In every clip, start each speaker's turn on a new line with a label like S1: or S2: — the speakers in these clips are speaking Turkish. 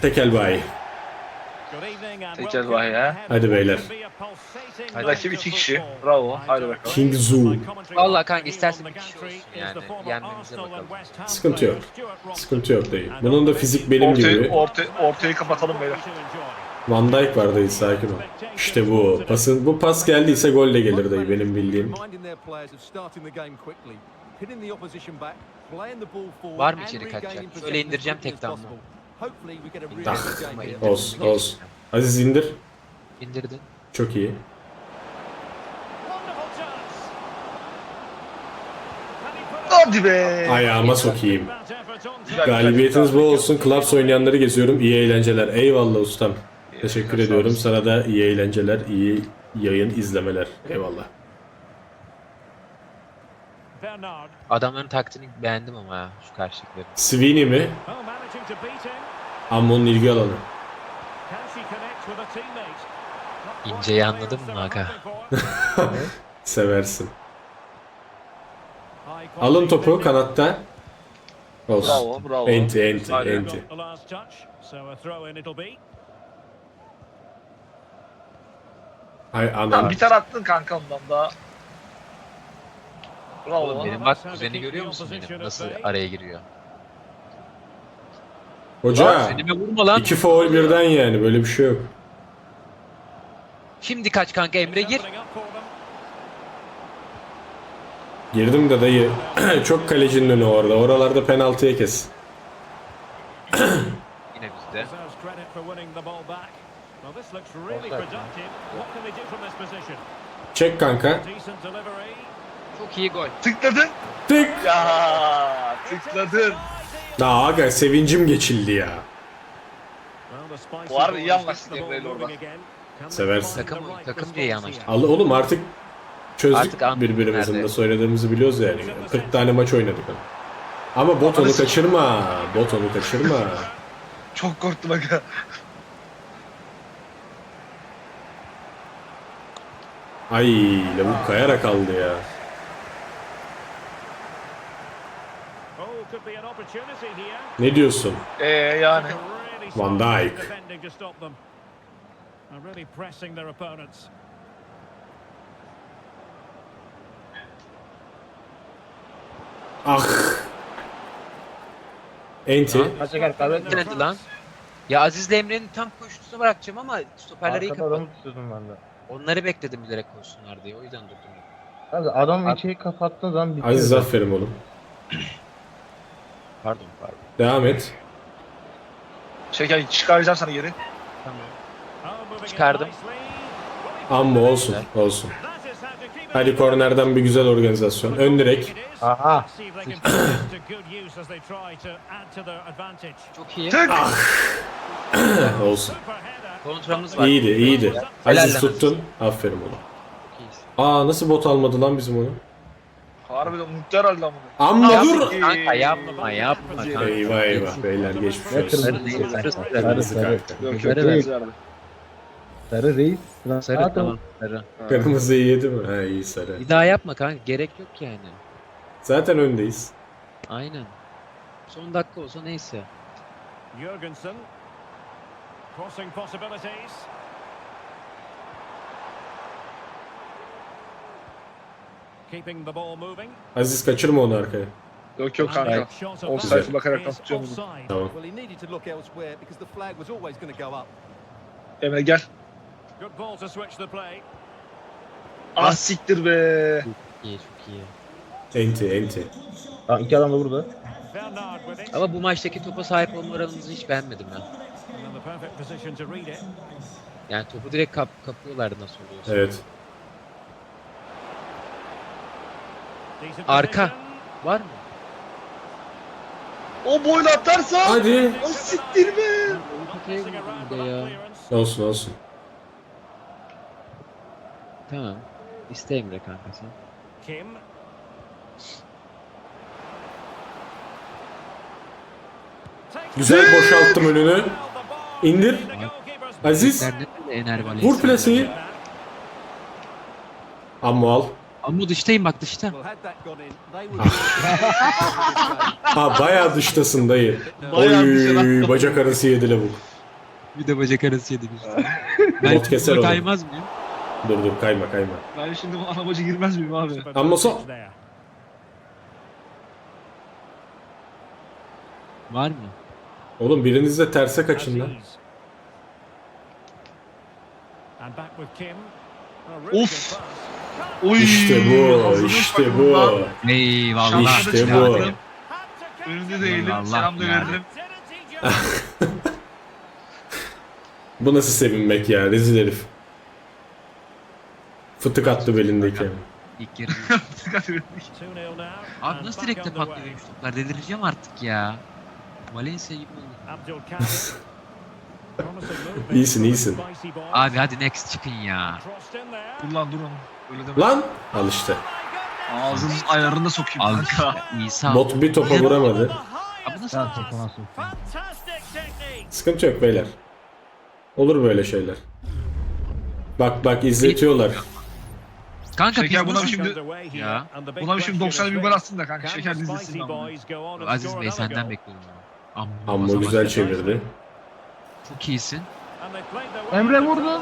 S1: Tekel bayi.
S2: Tekel bayi ha.
S1: Hadi beyler.
S2: Rakip 2 kişi. Bravo. Hadi bakalım.
S1: King Zhu.
S3: Vallahi kanka istersen bir kişi olsun yani. Yenmemize bakalım.
S1: Sıkıntı yok. Sıkıntı yok dayı. Bunun da fizik benim gibi.
S2: Ortayı kapatalım beyler.
S1: Van Dijk var dayı, sakin ol. İşte bu. Bu pas geldiyse gol de gelir dayı, benim bildiğim.
S3: Var mı içeri kaçacak? Şöyle indireceğim tek damla.
S1: Olsun olsun. Aziz indir.
S3: İndirdin.
S1: Çok iyi.
S2: Hadi be.
S1: Ayağıma sokayım.
S2: Güzel,
S1: Galibiyetiniz
S2: güzel.
S1: bol olsun. Club oynayanları geziyorum. İyi eğlenceler. Eyvallah ustam. Teşekkür ediyorum. Sana da iyi eğlenceler, iyi yayın izlemeler. Eyvallah.
S3: Adamların taktiğini beğendim ama ha, şu karşılıkları.
S1: Sweeney mi? Ammon'un ilgi alanı.
S3: İnceyi anladın mı Hakan?
S1: Seversin. Alın topu kanatta. Olsun.
S2: Bravo, bravo.
S1: Enti.
S2: Aynen.
S1: Hay
S2: Tamam,
S1: anam.
S2: bir tane attın kanka ondan daha. Bravo.
S3: Oğlum benim bak kuzeni görüyor musun benim? Nasıl araya giriyor?
S1: Hoca.
S3: Senime vurma lan.
S1: 2 faul birden yani, böyle bir şey yok.
S3: Şimdi kaç kanka Emre gir.
S1: Girdim de dayı. Çok kalecinin önü orada. Oralarda penaltıya kes.
S3: Yine bizde.
S1: Çek kanka.
S3: Çok iyi gol.
S2: Tıkladın.
S1: Tık.
S2: Ya tıkladın.
S1: Daha aga sevincim geçildi ya.
S2: Bu arada iyi anlaştık Emre'yle orada.
S1: Seversin.
S3: Takım diye anlaştık.
S1: Al oğlum, artık çözdük
S3: Artık anladım
S1: birbirimizin
S3: nerede.
S1: de söylediğimizi biliyoruz yani. 40 tane maç oynadık. Ama bot onu kaçırma. Bot onu kaçırma.
S2: Çok korktum aga.
S1: Ay lavuk kayarak aldı ya. Ne diyorsun?
S2: Yani.
S1: Van Dijk. Ah. Enti.
S3: Denedi lan. Ya Aziz'le Emre'nin tam koşusunu bırakacağım ama stoperleri iyi
S4: Arkada adamı
S3: kapattı.
S4: tutuyordum ben de.
S3: Onları bekledim bilerek koşsunlar diye. O yüzden durdum.
S4: Abi adam içeri kapattığın zaman bitiyor.
S1: Aziz aferin oğlum.
S3: Pardon.
S1: Devam et.
S2: Şeker çıkaracağım sana geri.
S3: Tamam. Çıkardım.
S1: Amma olsun. Olsun. Hadi kornerden bir güzel organizasyon. Ön direk.
S4: Aha.
S3: Çok iyi.
S2: Tık.
S1: Olsun.
S3: Kontramız var.
S1: İyiydi.
S3: Helal
S1: Aziz
S3: lan
S1: tuttun. Aferin oğlum.
S3: Çok iyisin.
S1: Nasıl bot almadı lan bizim onu?
S2: Harbiden unuttu herhalde lan bunu.
S1: Amma dur.
S3: Kanka yapma kanka.
S1: Eyvah beyler, geçmiş
S4: Ne
S1: olsun.
S4: kırmızı değil. Sarı
S1: Kırmızı
S4: sarı.
S1: kanka.
S2: Yok
S3: Sarı
S2: yok.
S3: ver.
S2: Verdi.
S4: Sarı reis.
S3: Sarı
S4: Rahat ol.
S3: tamam. Sarı.
S1: Kırmızıyı yedi mi? Ha, iyi sarı.
S3: Bir daha yapma kanka. Gerek yok yani.
S1: Zaten öndeyiz.
S3: Aynen. Son dakika olsa neyse.
S5: Jurgensen. Crossing possibilities. Keeping the ball moving.
S1: Aziz kaçırma onu arkaya.
S2: Yok yok kanka.
S5: Shot
S2: Offside
S5: of
S2: bakarak
S5: is
S2: tutuyorum bunu.
S5: offside.
S1: Tamam.
S6: Well, he needed to look elsewhere because the flag was always going to go up.
S2: Emre gel.
S5: Good ball to switch the play.
S2: Ah siktir be.
S3: İyi çok iyi.
S1: Enti.
S4: Aa, iki adam da burada.
S5: Bernard with it.
S3: Ama bu maçtaki topa sahip olma oranımızı hiç beğenmedim ben.
S5: And in the perfect position to read it.
S3: Yani topu direkt kapıyorlardı nasıl oluyorsa.
S1: Evet.
S5: Decent
S3: Arka.
S5: position.
S3: Var mı?
S2: O boyla atarsa.
S1: Hadi.
S2: O siktir be.
S5: Messing around
S3: Bir de
S5: with
S3: ya.
S5: that clearance.
S1: Olsun.
S3: Tamam. İste Emre kanka sen.
S5: Kim.
S1: Güzel boşalttım önünü. İndir. Aziz.
S3: Nerede böyle Ener
S1: Vur plaseyi. Amma al.
S3: Ama dıştayım bak dışta.
S6: Well, had that gone in, they would.
S1: Bayağı dıştasın dayı.
S2: Bayağı
S1: Oy
S2: dışına.
S1: bacak arası yedi lavuk.
S3: Bir de bacak arası yedik işte.
S1: Bot keser
S3: buna
S1: onu.
S3: kaymaz mıyım?
S1: Dur kayma.
S2: Ben şimdi bu anabacı girmez miyim abi?
S1: Amma so-
S3: Var mı?
S1: Oğlum biriniz de terse kaçın lan.
S2: Of. Oy.
S1: İşte bu,
S2: Hazırlık
S1: işte
S2: bakımından
S1: bu.
S3: Eyvallah.
S1: İşte
S2: şanslı
S1: bu.
S2: çıkardım. Önünde değilim.
S3: Eyvallah
S2: Selam da
S3: ya.
S2: verdim.
S1: Bu nasıl sevinmek ya, rezil herif. Fıtık attı belindeki.
S3: İlk yarı. Abi nasıl direkte patlıyor benim toplar? Delireceğim artık ya. Valencia gibi oldu.
S1: İyisin.
S3: Abi hadi next çıkın ya.
S2: Dur lan dur onu. Öyle deme.
S1: Lan! Al işte.
S2: Ağzının ayarını da sokayım
S3: Al
S2: kanka.
S3: İsa.
S1: Bot bir topa vuramadı.
S3: Abi nasıl?
S4: Sen topu nasıl?
S1: Sıkıntı yok beyler. Olur böyle şeyler. Bak izletiyorlar.
S3: Kanka
S2: Şeker
S3: biz
S2: buna
S3: nasıl...
S2: şimdi
S3: Ya.
S2: Buna şimdi 90'da bir gol atsın da kanka. Şeker dizilsin ama.
S3: Aziz Bey senden bekliyorum. Amma,
S1: Amma güzel çevirdi.
S3: Çok iyisin.
S4: Emre vurdu.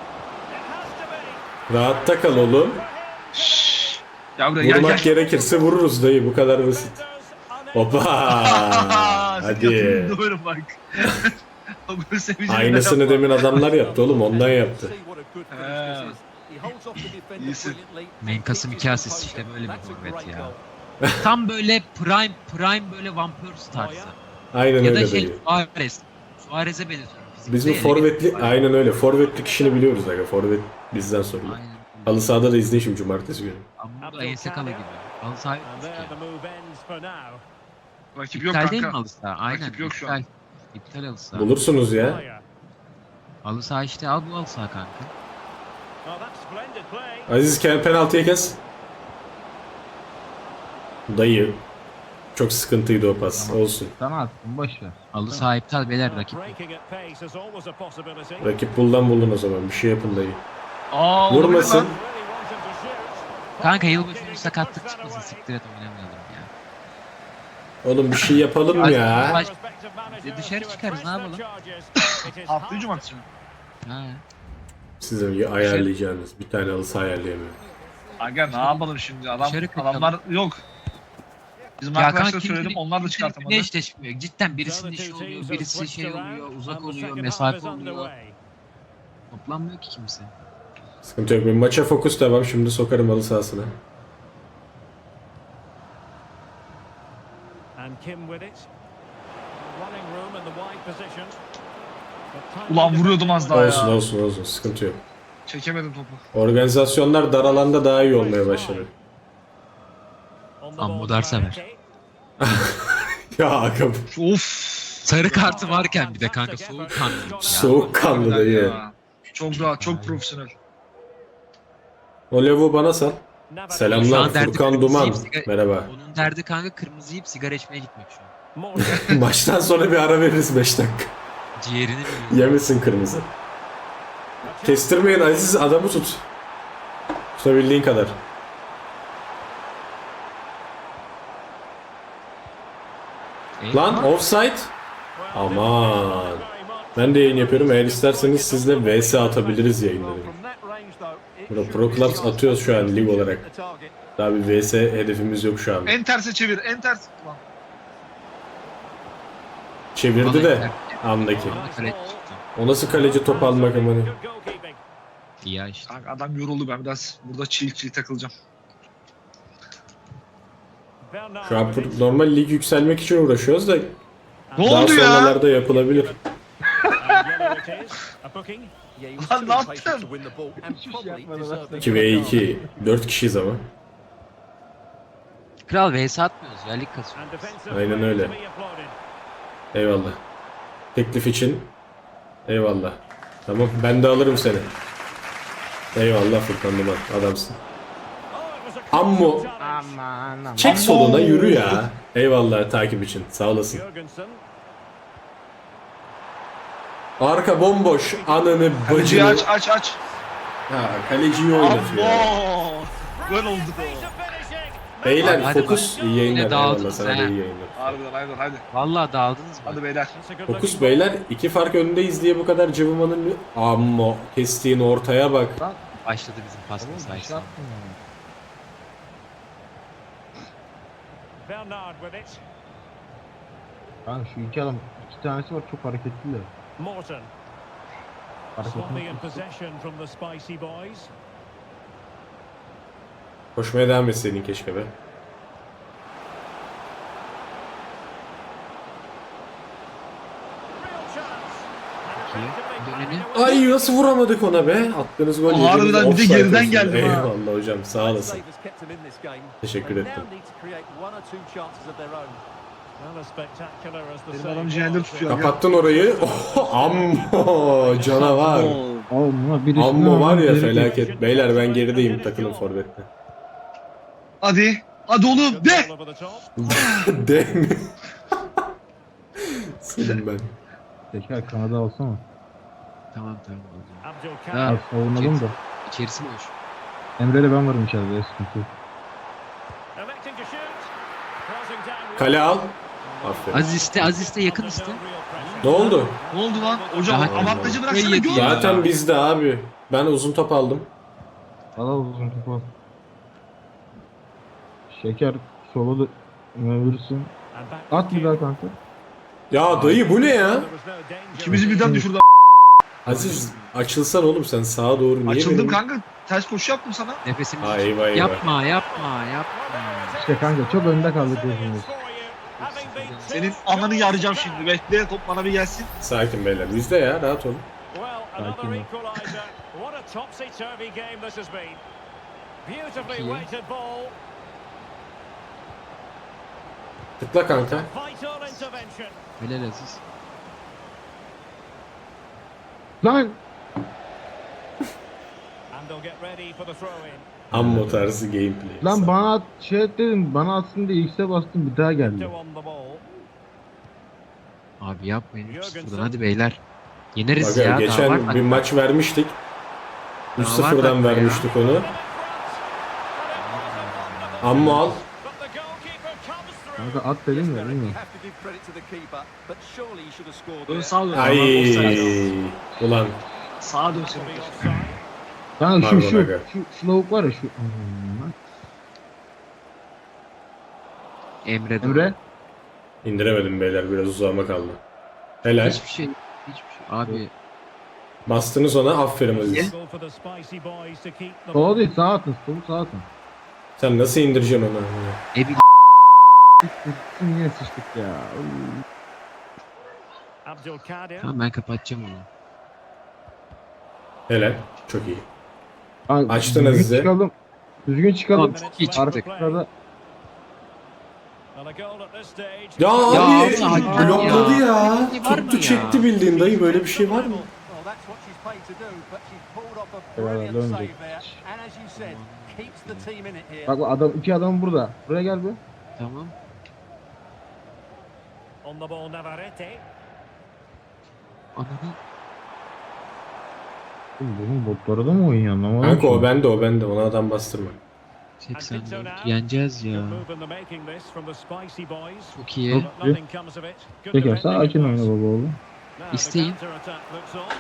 S1: Rahatta kal oğlum.
S2: Ya buraya gel
S1: Vurmak
S2: gel.
S1: gerekirse vururuz dayı, bu kadar basit. Hoppa! Hadi.
S2: Doğru bak. O gol sevincini
S1: Aynısını
S2: yapma.
S1: demin adamlar yaptı oğlum, ondan yaptı.
S6: See what a good finish this is. He holds off the defender
S2: İyisin.
S6: brilliantly.
S3: Menkas'ım
S6: Hits
S3: 2
S6: his
S3: asist işte
S6: opponent.
S3: böyle bir
S6: That's a
S3: forvet
S6: great
S3: ya.
S6: goal.
S3: Tam böyle prime böyle Van Persie tarzı.
S1: Aynen
S3: Ya da
S1: öyle
S3: şey
S1: dayı.
S3: Suarez. Suarez'e benziyorum.
S1: Biz bu forvetli, aynen öyle. Forvetlik işini biliyoruz aga. Forvet bizden sorulur.
S3: Aynen.
S1: Halı sahada da izleyin şimdi cumartesi günü.
S3: Ama bu da ense kala gibi. Halı saha yok ki.
S2: Rakip yok
S3: İptal değil mi
S2: kanka.
S3: halı saha? Aynen.
S2: Rakip yok şu
S3: iptal.
S2: an.
S3: İptal halı saha.
S1: Bulursunuz ya.
S3: Halı saha işte al bu halı saha kanka.
S1: Aziz penaltıya kes. Dayı. Çok sıkıntıydı o pas. Olsun.
S4: Sana attım boş ver.
S3: Halı saha iptal beyler rakip.
S1: Rakip bulun o zaman. Bir şey yapın dayı.
S2: Aa, olabilir
S1: Vurmasın.
S2: lan.
S3: Kanka yılbaşı günü sakatlık çıkmasın siktir et oynamayalım ya.
S1: Oğlum bir şey yapalım
S3: Hadi,
S1: ya.
S3: baş- dışarı çıkarız, ne yapalım?
S2: Haftayı cumartesi mi?
S3: Ha.
S1: Sizin ayarlayacağınız. Bir tane halı saha ayarlayamıyorum.
S2: Aga ne yapalım şimdi
S3: Dışarı kaçalım.
S2: adamlar yok. Bizim
S3: Ya
S2: arkadaşlara
S3: kanka
S2: söyledim onlar da çıkartamadı.
S3: Ne eşleşmiyor. Cidden birisinin işi oluyor, birisi şey oluyor, uzak oluyor, mesafe oluyor. Toplanmıyor ki kimse.
S1: Sıkıntı yok. Bir maça fokus devam. Şimdi sokarım halı sahasına.
S2: Ulan vuruyordum az daha ya.
S1: Olsun. Sıkıntı yok.
S2: Çekemedim topu.
S1: Organizasyonlar dar alanda daha iyi olmaya başladı.
S3: Amma dar sever.
S1: Ya aga
S2: Of.
S3: Sarı kartı varken bir de kanka soğukkanlı ya.
S1: soğukkanlı
S2: Harbiden
S1: dayı.
S2: ya. Çok rahat, çok profesyonel.
S1: O levu bana sal.
S3: Şu
S1: Selamlar
S3: an derdi
S1: Furkan
S3: kırmızı
S1: Duman.
S3: yiyip sigara-
S1: Merhaba.
S3: Onun derdi kanka kırmızı yiyip sigara içmeye gitmek şu an.
S1: Maçtan sonra bir ara veririz 5 dakika.
S3: Ciğerini biliyor.
S1: Yemesin kırmızı. Kestirmeyin Aziz, adamı tut. Tutabildiğin kadar. Lan offside. Aman. Ben de yayın yapıyorum. Eğer isterseniz sizle VS atabiliriz yayınları. Burada Pro Clubs atıyoruz şu an lig olarak. Daha bir VS hedefimiz yok şu an.
S2: En terse çevir, en ters. Ulan.
S1: Çevirdi de andaki.
S3: Bana kale çıktı.
S1: O nasıl kaleci top almak amanı.
S3: İyi ya işte.
S2: Kanka adam yoruldu, ben biraz burada çiğ takılacağım.
S1: Şu an normal lig yükselmek için uğraşıyoruz da
S2: Ne
S1: daha
S2: oldu ya?
S1: sonralarda yapılabilir.
S2: Lan ne yaptın?
S1: 2v2. 4 kişiyiz ama.
S3: Kral vs atmıyoruz ya lig kasıyoruz.
S1: Aynen öyle. Eyvallah. Teklif için eyvallah. Tamam, ben de alırım seni. Eyvallah Furkan Duman, adamsın. Ammo.
S4: Aman.
S1: Çek soluna yürü ya. Eyvallah takip için, sağ olasın. Arka bomboş, ananı
S2: Kaleciyi
S1: bacını.
S2: aç.
S1: Ha, kaleciyi oynatıyor.
S2: Abo. Gol oldu.
S1: Beyler
S3: Hadi
S1: fokus
S3: bak.
S1: iyi yayınlar.
S3: Yine dağıldınız
S1: Eyvallah, sana da
S3: ha.
S1: iyi yayınlar.
S2: Harbiden hadi.
S3: Vallahi dağıldınız mı?
S2: Hadi beyler.
S1: Fokus beyler 2 fark öndeyiz diye bu kadar cıvımanın amma kestiğin ortaya bak.
S3: Başladı bizim pas
S4: Oğlum bir şey
S3: sayesinde.
S4: yaptın ya.
S5: Bernard with it.
S4: Kanka şu iki adam, iki tanesi var çok hareketliler.
S5: Morton. Sloppy in possession from the Spicy Boys.
S1: Koşmaya devam etseydin keşke be.
S5: Real chance. And
S3: Döneni.
S1: Ay nasıl vuramadık ona be? Attığınız gol
S2: Harbiden
S1: yediğiniz
S2: bir de
S1: offside
S2: geriden
S1: olsun.
S2: geldim ha.
S1: Eyvallah hocam sağ olasın.
S6: Save has kept them in this game.
S1: Teşekkür
S6: They
S1: ettim.
S6: now need to create one or two chances of their own.
S5: Well, as spectacular as the
S2: Benim
S5: save
S2: adam ciğerleri
S5: was,
S2: tutuyor.
S1: Kapattın orayı. Oh, ammo canavar.
S4: Oğlum birisi
S1: Ammo var ya felaket. Beyler ben gerideyim takımın forvetine.
S2: Hadi. Hadi oğlum
S5: good
S2: de.
S5: ball over the top.
S1: De mi? Senin ben.
S4: Teker Kanada olsana.
S3: Tamam tamam.
S5: Abdul
S3: Ha.
S5: Kader.
S4: Savunalım da.
S3: İçerisi boş.
S4: Emre'yle ben varım içeride sıkıntı yok.
S5: Electing to shoot. Crossing down.
S1: Kale al. Aferin.
S3: Az iste yakın iste.
S1: Ne oldu?
S2: Ne oldu lan? Hocam
S3: Daha-
S2: avantajı bıraksana
S3: Yedi
S2: gol.
S3: ya.
S1: Zaten bizde abi. Ben uzun top aldım.
S4: Al uzun topu. Şeker sola da verirsin. At bir daha kanka.
S1: Ya dayı bu ne ya?
S2: İkimizi birden düşürdü.
S1: Aziz açılsan oğlum sen sağa doğru niye
S2: Açıldım
S1: benim-
S2: kanka. Ters koşu yaptım sana.
S3: Nefesini
S1: Ha, eyvah, eyvah.
S3: yapma.
S4: İşte kanka çok önde kaldık hepimiz.
S2: Senin ananı yarayacağım şimdi. Bekle top bana bir gelsin.
S1: Sakin beyler bizde ya rahat olun.
S5: Well,
S4: Sakin
S5: another
S4: ol.
S5: equaliser. What a topsy-turvy game this has been. Beautifully
S3: İyi.
S5: weighted ball.
S1: Tıkla kanka.
S5: Vital intervention.
S3: Helal Aziz.
S4: Lan!
S5: And they'll get ready for the throw-in.
S1: Ammo tarzı gameplay.
S4: Lan bana at, şey et dedim bana atsın diye X'e bastım bir daha geldi.
S5: Two on the ball.
S3: Abi yapmayın. Buradan hadi beyler. Yeneriz
S1: Bak
S3: ya. Daha var
S1: geçen
S3: mı?
S1: bir maç vermiştik.
S3: Daha
S1: 3-0'dan
S3: var dakika ya.
S1: vermiştik onu. Ammo al.
S5: But the goalkeeper comes through.
S4: Kanka at dedim ya değil mi?
S6: Have to give credit to the keeper, but surely he should have scored
S2: Dön
S6: there.
S2: sağa dön.
S1: Ay. Ulan.
S2: Sağa dön
S5: To
S2: senin.
S5: be offside.
S4: Kanka
S1: Pardon
S4: şu
S1: aga.
S4: şu lavuk var ya şu.
S3: Emre.
S4: Emre.
S1: İndiremedim beyler biraz uzağıma kaldı. Helal.
S3: Hiçbir şey. Abi
S1: Bastınız ona aferin Aziz.
S5: Goal for the Spicy Boys to keep the
S4: Sola
S5: ball.
S4: değil sağa atın. Solu sağa atın.
S1: Sen nasıl indireceksin onu?
S3: ne bileyim.
S4: Yine sıçtık ya.
S5: Abdul Kader.
S3: Tamam ben kapatacağım onu.
S1: Helal. Çok iyi.
S4: Abi,
S1: Açtın
S4: düzgün
S1: Aziz'e.
S4: Çıkalım. Düzgün çıkalım.
S3: Tamam, iyi çıktık.
S4: Arkada
S5: And a goal at this stage.
S1: Ya
S3: Ya
S1: abi
S3: Allah
S1: blokladı
S3: ya.
S1: ya.
S3: Böyle bir şey var mı
S1: Tuttu
S3: ya?
S1: çekti bildiğin dayı böyle bir şey var mı?
S6: Well, that's what she's paid to do, but she's pulled off a
S4: Eyvallah,
S6: brilliant
S4: döndü.
S6: save there. And as you said, keeps the team in it here.
S4: bak adam iki adam burada. Buraya gel bir.
S3: Tamam.
S5: On the ball, Navarrete.
S3: Ananı.
S4: Bunun botları da mı oynuyor anlamadım.
S1: Kanka
S4: ki.
S1: o bende ona adam bastırma.
S3: 84. Yeneceğiz ya.
S5: Good move in the making this from the Spicy Boys.
S3: Çok iyi.
S4: Yok.
S5: But nothing comes of it. Good
S4: Şeker
S5: defending
S4: sakin oyna
S5: pass.
S4: baba oğlum.
S5: Now the
S3: İsteyin.
S5: counter-attack looks on.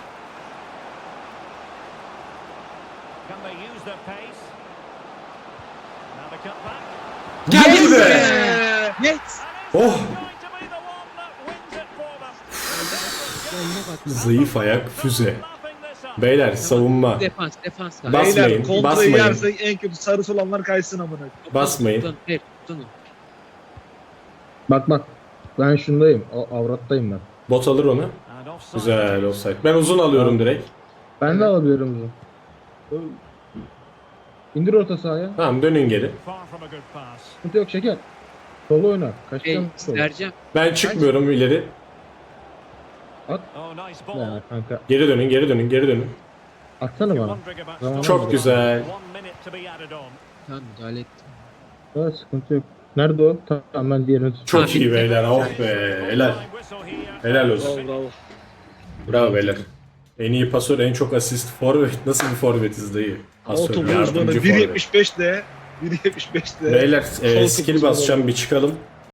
S5: Can they use their pace? Now the cutback.
S1: Geldi be!
S3: Yes.
S1: Oh!
S5: Going to be the one that wins it for them.
S1: Zayıf ayak füze.
S5: Lapping this up.
S1: Beyler savunma.
S3: Defans.
S1: Basmayın,
S2: Beyler kontrayı
S1: basmayın.
S2: yersek en kötü sarısı olanlar kaysın amına.
S1: Basmayın.
S3: Tutunun.
S4: Bak. Ben şundayım. Avrattayım ben.
S1: Bot alır onu.
S5: And offside.
S1: Güzel offside. Ben uzun alıyorum direkt.
S4: Ben de alabiliyorum bunu. İndir orta sahaya.
S1: Tamam dönün geri.
S5: Far from a good pass.
S4: Sıkıntı yok şeker. Solu oyna. Kaçacağım.
S3: Vereceğim.
S1: Ben çıkmıyorum ileri.
S5: Oh, nice ball.
S4: Ya kanka.
S1: Geri dönün.
S4: Atsana bana.
S5: Wondering about
S4: Tamam.
S5: stopping
S1: Çok
S5: the
S1: güzel.
S5: ball. 1 minute to be added on.
S3: Tamam müdahale ettim.
S4: Evet sıkıntı yok. Nerede o? Tamam ben diğerini tutayım.
S1: Çok
S3: Ha,
S1: iyi
S3: bitti.
S1: beyler. Oh be. Helal. Helal olsun.
S2: Bravo.
S1: Bravo beyler. En iyi pasör, en çok asist forvet. Nasıl bir forvetiz dayı? Pasör,
S2: Otobu uzmanı
S1: yardımcı forvet.
S2: 1.75 de 1.75'te.
S1: Beyler
S2: Sol
S1: skill
S2: kapıcı
S1: basacağım bir çıkalım.